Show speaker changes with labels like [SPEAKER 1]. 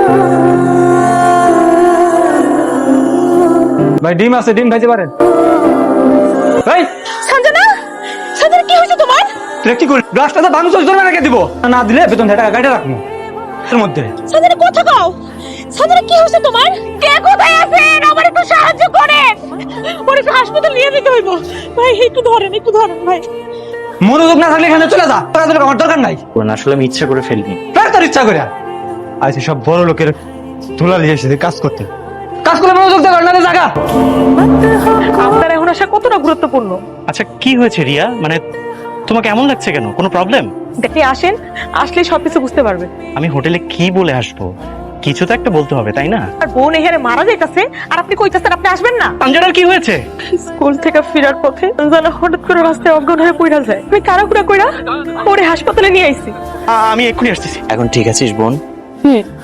[SPEAKER 1] ভাই ডিম আছে, ডিম খাইতে পারেন। ভাই
[SPEAKER 2] সঞ্জনা, সঞ্জনা কি হয়েছে তোমার?
[SPEAKER 1] তুই কি করি, গ্লাসটা তো ভাঙচুর করবে রেখে দিব, না দিলে বেতন টাকা গাড়ি রাখবো এর মধ্যে।
[SPEAKER 2] সঞ্জনা কথা কও, সঞ্জনা কি হয়েছে তোমার? কে কোথায় আছেন? আমার একটু সাহায্য করেন, ওরে একটু হাসপাতাল নিয়ে যেতে হইব। ভাই একটু ধরেন, একটু ধরেন ভাই।
[SPEAKER 1] মনোযোগ না থাকলে এখানে চলে যা, টাকা দিলে আমার দরকার নাই।
[SPEAKER 3] আসলে আমি ইচ্ছা করে ফেলিনি।
[SPEAKER 1] ফের তোর ইচ্ছা করে আইছি সব বড় লোকের ধুলা নিয়ে এসেছে কাজ করতে, কাজ করলে মনোযোগ দেওয়ার না জায়গা।
[SPEAKER 2] আপনার এখন আসা কতটা গুরুত্বপূর্ণ?
[SPEAKER 3] আচ্ছা কি হয়েছে রিয়া, মানে তোমাকে এমন লাগছে কেন? কোনো প্রবলেম?
[SPEAKER 2] দেখে আসেন, আসলে সবকিছু বুঝতে পারবেন।
[SPEAKER 3] আমি হোটেলে কি বলে আসবো? কিছু তো একটা বলতে হবে তাই না?
[SPEAKER 2] আর বোন এখানে মারা যাইতাছে আর আপনি কইতাছেন আপনি আসবেন না।
[SPEAKER 3] সঞ্জনার কি হয়েছে?
[SPEAKER 2] স্কুল থেকে ফেরার পথে সঞ্জনা হঠাৎ করে রাস্তায় অজ্ঞান হয়ে পড়ে যায়। আমি কারাকুড়া কইরা ওরে হাসপাতালে নিয়ে আইছি।
[SPEAKER 3] আমি এক্ষুনি আসতেছি। এখন ঠিক আছিস বোন?